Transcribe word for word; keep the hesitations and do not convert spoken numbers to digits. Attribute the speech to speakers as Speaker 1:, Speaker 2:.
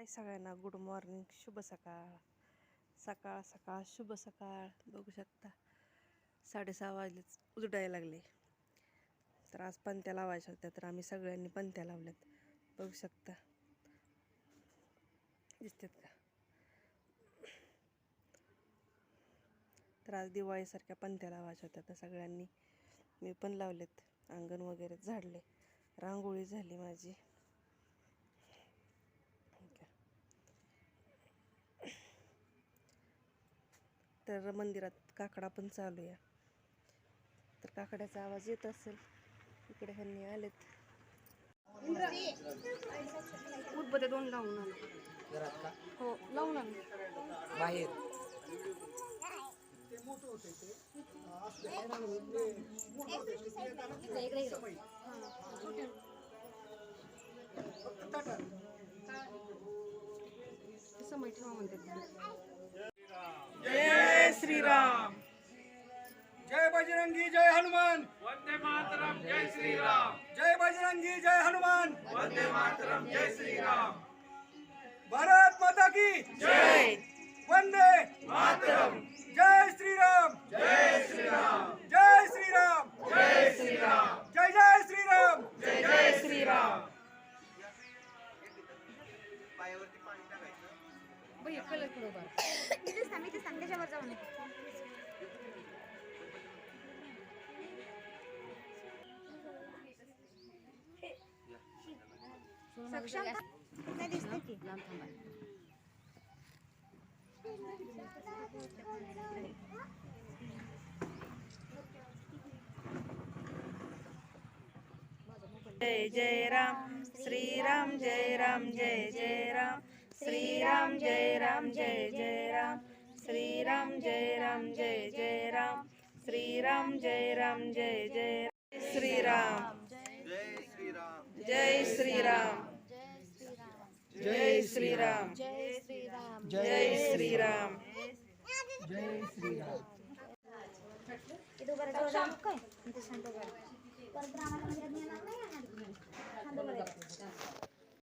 Speaker 1: हाय सगळ्यांना, good morning, शुभ सकाळ. सकाळ सकाळ शुभ सकाळ. बघू शकता साडेसहा वाजलेच उजडायला लागले. तर आज पंत्या लावायच्या होत्या, तर आम्ही सगळ्यांनी पंत्या लावल्यात. बघू शकता, दिसतात का? तर आज दिवाळीसारख्या पंत्या लावायच्या होत्या, तर सगळ्यांनी मी पण लावलेत. अंगण वगैरे झाडले, रांगोळी झाली माझी. तर मंदिरात काकडा पण चालू आहे. तर काकड्याचा आवाज येत असेल. इकडे ह्यांनी आलेत. उदबत्या दोन लावून आले. हो, लावून आले बाहेर. समय ठेवा म्हणतात. जय श्रीराम.
Speaker 2: जय बजरंगी जय हनुमान.
Speaker 3: वंदे मातरम. जय श्री राम.
Speaker 2: जय बजरंगी जय हनुमान.
Speaker 3: वंदे मातरम. जय श्री राम.
Speaker 2: भारत माता की
Speaker 1: जय.
Speaker 2: वंदे
Speaker 3: मातरम.
Speaker 2: जय श्रीराम.
Speaker 3: जय श्री राम.
Speaker 2: जय श्रीराम.
Speaker 3: जय श्री राम.
Speaker 2: जय जय श्रीराम.
Speaker 3: जय जय श्री राम.
Speaker 4: सक्षम नाही दिसते की
Speaker 1: जय जय राम श्रीराम, जय राम जय जय राम श्रीराम, जय राम जय जय राम श्रीराम, जय राम जय जय राम श्रीराम, जय राम जय जय श्रीराम. जय श्रीराम. जय श्रीराम.
Speaker 4: जय श्रीराम.
Speaker 1: जय श्रीराम.
Speaker 2: जय श्रीराम.
Speaker 4: इथं बरं जाऊ जाऊ काय इथं शांत बरं परत रामाला मंदिरात नेणार नाही शांत बरं